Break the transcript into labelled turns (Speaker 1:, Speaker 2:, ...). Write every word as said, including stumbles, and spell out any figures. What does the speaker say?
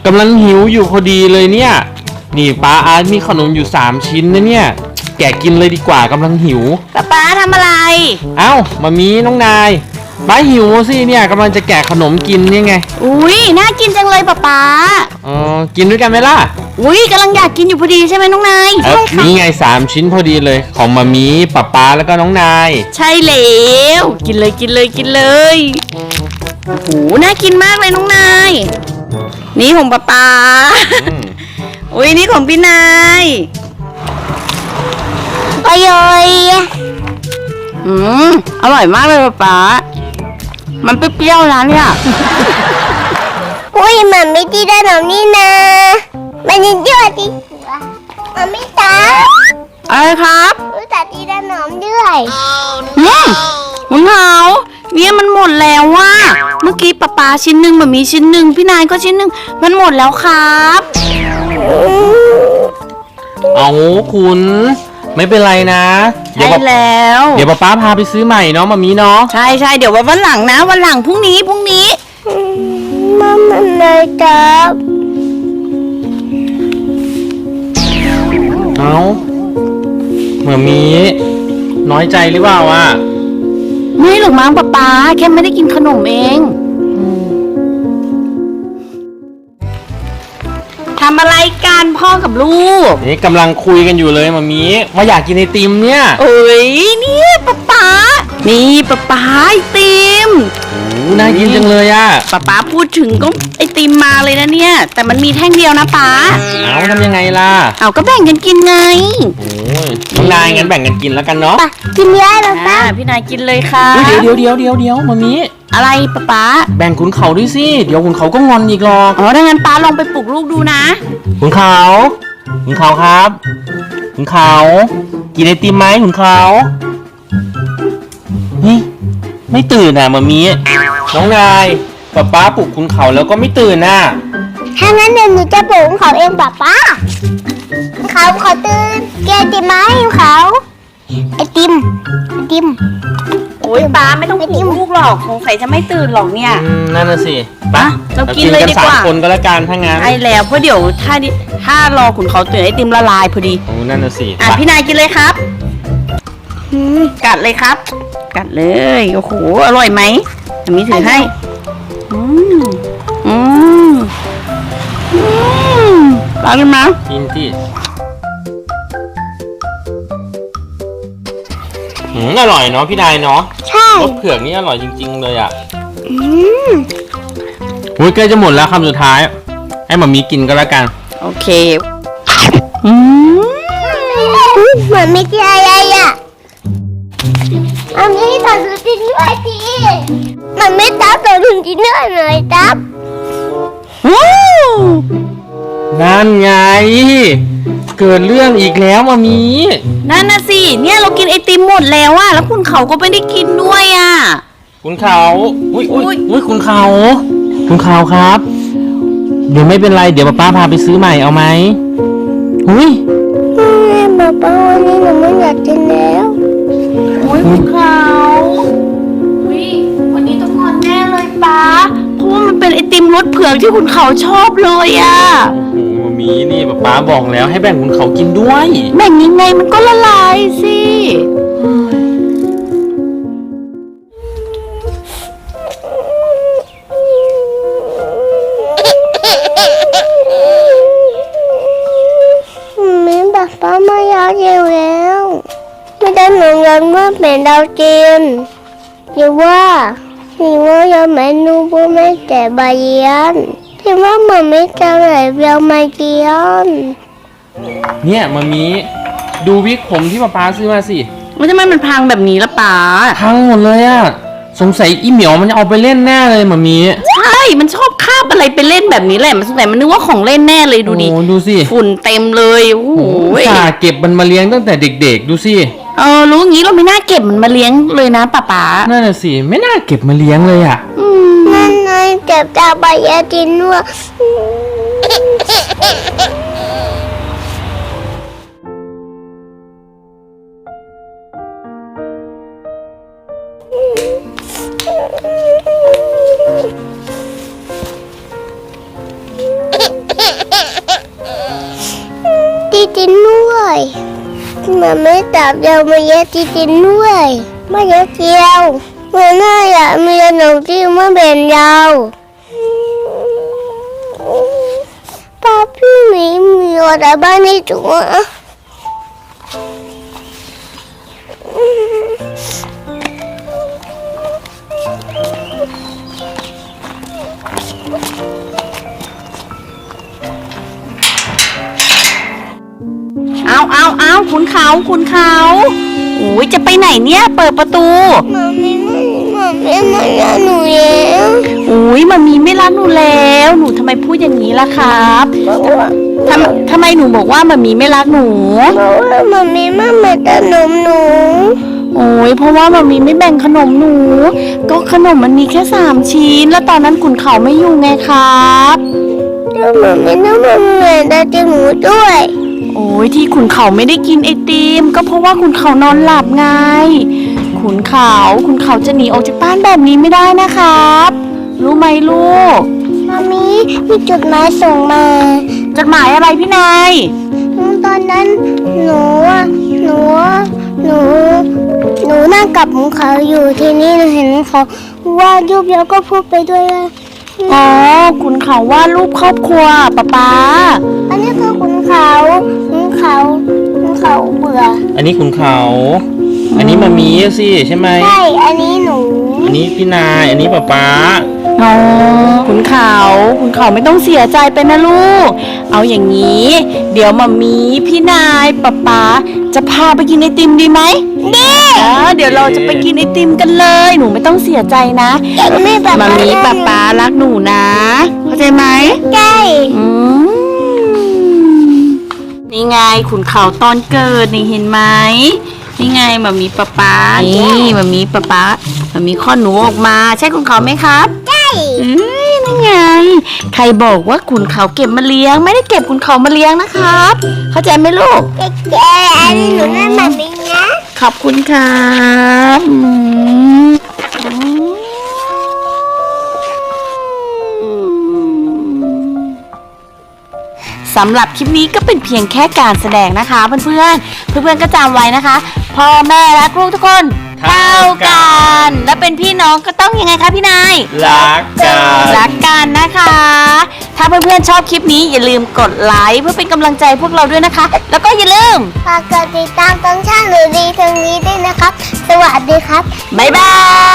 Speaker 1: กำลังหิวอยู่พอดีเลยเนี่ยนี่ป้าอาร์ตมีขนมอยู่สามชิ้นนะเนี่ยแกะกินเลยดีกว่ากำลังหิว
Speaker 2: ป๊าป๊าทำอะไร
Speaker 1: เอ้ามามีน้องนายป้าหิวสิเนี่ยกำลังจะแกะขนมกินนี่ไง
Speaker 2: อุ้ยน่ากินจังเลยป๊าป๊า
Speaker 1: อ๋อกินด้วยกันไหมล่ะ
Speaker 2: อุ้ยกำลังอยากกินอยู่พอดีใช่ไหมน้องนาย
Speaker 1: ใช่ค่ะนี่ไงสามชิ้นพอดีเลยของมามีป๊าป๊าแล้วก็น้องนาย
Speaker 2: ใช่แล้วกินเลยกินเลยกินเลยโอ้โหน่ากินมากเลยน้องนายนี่ของป๊าป๊าอุ้ยนี่ของพี่นายอร่อยอืมอร่อยมากเลยป๊าป๊ามันเปรี้ยวๆนะเนี่ย
Speaker 3: อุ้ยมันไม่ดีได้หรอกนี่นะมันยังเยอะดิมันไม่ตา
Speaker 2: อะไรครับ
Speaker 3: อุ้ยแต่ดีได้หนอมด้วย
Speaker 2: อืมคุณเขาเนี่ยมันหมดแล้วว่ะเมื่อกี้ป๊าป๊าชิ้นหนึ่งแบบมีชิ้นหนึ่งพี่นายก็ชิ้นหนึ่งมันหมดแล้วครับ
Speaker 1: เอาคุณไม่เป็นไรนะ
Speaker 2: ใช่แล้ว
Speaker 1: เดี๋ยวป๊าป๊าพาไปซื้อใหม่เนาะมามีเนาะ
Speaker 2: ใช่ใช่เดี๋ยววันหลังนะวันหลังพรุ่งนี้พรุ่งนี้
Speaker 3: มันมันเลยครับ
Speaker 1: เอาเหมือนมีน้อยใจหรือเปล่าอ่ะ
Speaker 2: ไม่หรอกมั้งป๊าป๊าแค่ไม่ได้กินขนมเองทำอะไรกันพ่อกับลูก
Speaker 1: นี่กำลังคุยกันอยู่เลยมามีว่าอยากกินไอติมเนี่ย
Speaker 2: เอ้ยเนี่ยป๊าป๊านี่ป๊าป๊าไอติม
Speaker 1: โอ้น่ากินจังเลยอ่ะ
Speaker 2: ป๊าป๊าพูดถึงก็ไอติมมาเลยนะเนี่ยแต่มันมีแท่งเดียวนะป๊า
Speaker 1: เอาทำยังไงล่ะ
Speaker 2: เอาก็แบ่งกันกินไง
Speaker 1: โอ้ยน้องนายงั้นแบ่งกันกินแล้วกันเนาะ
Speaker 3: กินเยอะแล้วป้า
Speaker 2: พี่นายกินเลยค่ะ
Speaker 1: เดี๋ยวเดี๋ยวเดี๋ยวเดี๋ยวเดี๋ยวมามี
Speaker 2: อะไรป๊าป๊า
Speaker 1: แบ่งขุนเขาด้วยสิเดี๋ยวขุนเขาก็งอนอีกหรอก
Speaker 2: อ๋อถ้างั้นป๊าลองไปปลุกลูกดูนะ
Speaker 1: ขุนเขาขุนเขาครับขุนเขากินไอติมไหมขุนเขานี่ไม่ตื่นอ่ะมามีน้องนายป๊าป๊าปลุกขุนเขาแล้วก็ไม่ตื่นน่ะ
Speaker 3: ถ้างั้นเดี๋ยวหนูจะปลุกเขาเองป๊าป๊าเขาเขาตื่นแกติมไหมเขาไอติมไอติม
Speaker 2: โอ้ยป๊าไม่ต้องปลุกลูกหรอกสงสัยจะไม่ตื่นหรอกเนี่ย
Speaker 1: นั่นน่ะสิ
Speaker 2: ป๊าเรากินเลยดีกว่า
Speaker 1: คนก็แล้วกันถ้างั้น
Speaker 2: ใช่แล้วเพราะเดี๋ยวถ้าถ้ารอขุนเขาตื่นไอติมละลายพอดี
Speaker 1: โอ้นั่นน่ะสิ
Speaker 2: อ่ะพี่นายกินเลยครับกัดเลยครับกัดเลยโอ้โหอร่อยไหมมีถือให้อืมอืมอืมป๊ากินมั้ย
Speaker 1: กินที่อืมอร่อยเนาะพี่นายเนาะ
Speaker 3: ใช่
Speaker 1: รสเผือกนี่อร่อยจริงๆเลยอ่ะอืมโอ้ยใกล้จะหมดแล้วคำสุดท้ายให้หม่ามีกินก็แล้วกัน
Speaker 2: โอเคอืม
Speaker 3: เหมือนไม่ใช่อะไรอ่ะมันไม่ตัดถึงด้วยสิมันไม่ตัดถึงที่เนื้อเลยตับ
Speaker 2: ว้าว
Speaker 1: นั่นไงเกิดเรื่องอีกแล้วมามี
Speaker 2: นั่นน่ะสิเนี่ยเรากินไอติมหมดแล้วอะแล้วคุณเขาก็ไม่ได้กินด้วยอะ
Speaker 1: คุณเขาอุ้ยอุ้ยอุ้ยคุณเขาคุณเขาครับเดี๋ยวไม่เป็นไรเดี๋ยวป้าพาไปซื้อใหม่เอาไหมอุ้ย
Speaker 3: ป้าป้าวันนี้หนูไม่อยากกินแล้ว
Speaker 2: อุ้ยคุณเขาอุ้ยวันนี้ต้องงอนแน่เลยป้าเพราะว่ามันเป็นไอติมรสเผือกที่คุณเขาชอบเลยอะ
Speaker 1: มีนี่ป๊าบอกแล้วให้แบ่งคุณเขากินด้วย
Speaker 2: แบ่งยังไงมันก็ละลายสิ
Speaker 3: แม่ป๊าป๊าไม่อยากกินแล้วไม่ได้หนูยันว่าเป็นดาวจีนหรือว่าหรือว่ายังไม่รู้ว่าไม่แต่ใบยันที่ว่ามันไม่จะไหลเรียวมาเกียน
Speaker 1: เนี่ยมามีดูวิกผมที่ป๊าป๊าซื้อมาสิ
Speaker 2: ว่าทำไมมันพังแบบนี้ละป๊า
Speaker 1: พังหมดเลยอะสงสัยอีเหมียวมันจะเอาไปเล่นแน่เลยมามี
Speaker 2: ใช่มันชอบคาบอะไรไปเล่นแบบนี้แหละมันสงสัยมันนึกว่าของเล่นแน่เลยดูดิ
Speaker 1: โอ้ดูสิ
Speaker 2: ฝุ่นเต็มเลยโอ้โห
Speaker 1: จ่าเก็บมันมาเลี้ยงตั้งแต่เด็กๆดูสิ
Speaker 2: เออรู้งี้เราไม่น่าเก็บมันมาเลี้ยงเลยนะป๊าป๊า
Speaker 1: นั่นน่ะสิไม่น่าเก็บมาเลี้ยงเลยอะ
Speaker 3: นั่นไงเก็บจากใบยาจินด้วยมันไม่จับเรามาเยอะจริงๆด้วยไม่เยอะเจียวมันน่าอยากมีขนมที่ไม่เป็นเราป้าพี่หมีมีอะไรบ้างในตัว
Speaker 2: เอาเอาเอาขุนเขาขุนเขาโอ้ยจะไปไหนเนี่ยเปิดประตู
Speaker 3: มัมมี่ไม่มัมมี่ไม่รักหนูแล้ว
Speaker 2: โอ้ยมามีไม่รักหนูแล้วหนูทำไมพูดอย่างนี้ล่ะครับ
Speaker 3: เพราะว่า
Speaker 2: ทำทำไมหนูบอกว่ามามีไม่รักหนู
Speaker 3: เพราะว่ามัมมี่ไม่มาขนมหนู
Speaker 2: โอ้ยเพราะว่ามามีไม่แบ่งขนมหนู ก็ขนมมันมีแค่สามชิ้น แล้วตอนนั้นขุนเขาไม่อยู่ไงครับ
Speaker 3: แล้วมัมมี่ต้องมาเหมือนได้จมูกด้วย
Speaker 2: โอ้ยที่ขุนเขาไม่ได้กินไอติมก็เพราะว่าขุนเขานอนหลับไง ขุนเขาขุนเขาจะหนีออกจากบ้านแบบนี้ไม่ได้นะครับ รู้ไหมลูก
Speaker 3: มัมมี่มีจดหมายส่งมา
Speaker 2: จดหมายอะไรพี่นาย
Speaker 3: ตอนนั้นหนูอะหนูอะหนูหนูนั่งกับขุนเขาอยู่ที่นี่หนูเห็นเขาว่าดรูปแล้วก็พูดไปด้วยว่า
Speaker 2: อ๋อขุนเขาวาดรูปครอบครัวป๊าป๊า
Speaker 3: อันนี้คือขุนเขาขุนเขาขุนเขาเบื่อ
Speaker 1: อันนี้คุณเขา อันนี้มามีสิใช่ไหม
Speaker 3: ใช่อันนี้หนู
Speaker 1: อันนี้พี่นาย อันนี้ป๊าป๊า
Speaker 2: อ๋อขุนเขาขุนเขาไม่ต้องเสียใจไปนะลูก เอาอย่างนี้ เดี๋ยวมามีพี่นายป๊าป๊าจะพาไปกินไอติมดีไหมดีเดี๋ยวเราจะไปกินไอติมกันเลย หนูไม่ต้องเสียใจนะ
Speaker 3: ไม่แบบ
Speaker 2: มามีป๊าป๊ารักหนูนะเข้าใจไหม
Speaker 3: ใช่
Speaker 2: อืมนี่ไงขุนเขาตอนเกิดนี่เห็นไหมนี่ไงมามีป๊าป๊านี่มามีป๊าป๊ามามีข้อหนูออกมา ใช่ขุนเขาไหมครับ
Speaker 3: ใช่
Speaker 2: เอ้ยนั่นไง ใครบอกว่าขุนเขาเก็บมาเลี้ยง ไม่ได้เก็บขุนเขามาเลี้ยงนะครับ เข้าใจไหมลูก
Speaker 3: เจ๊อันนี้หนูนั่นแบบนี้นะ
Speaker 2: ขอบคุณครับอืมอืมสำหรับคลิปนี้ก็เป็นเพียงแค่การแสดงนะคะเพื่อนๆ เพื่อนๆก็จำไว้นะคะ พ่อแม่และลูกทุกคนเท่ากัน และเป็นพี่น้องก็ต้องยังไงคะพี่นาย
Speaker 1: รักกัน
Speaker 2: รักกันนะคะ ถ้าเพื่อนๆชอบคลิปนี้อย่าลืมกดไลค์เพื่อเป็นกำลังใจพวกเราด้วยนะคะ แล้วก็อย่าลืม
Speaker 3: ฝากกดติดตามตรงช่างหนูดีทางนี้ด้วยนะครับ สวัสดีครับ
Speaker 2: บ๊ายบาย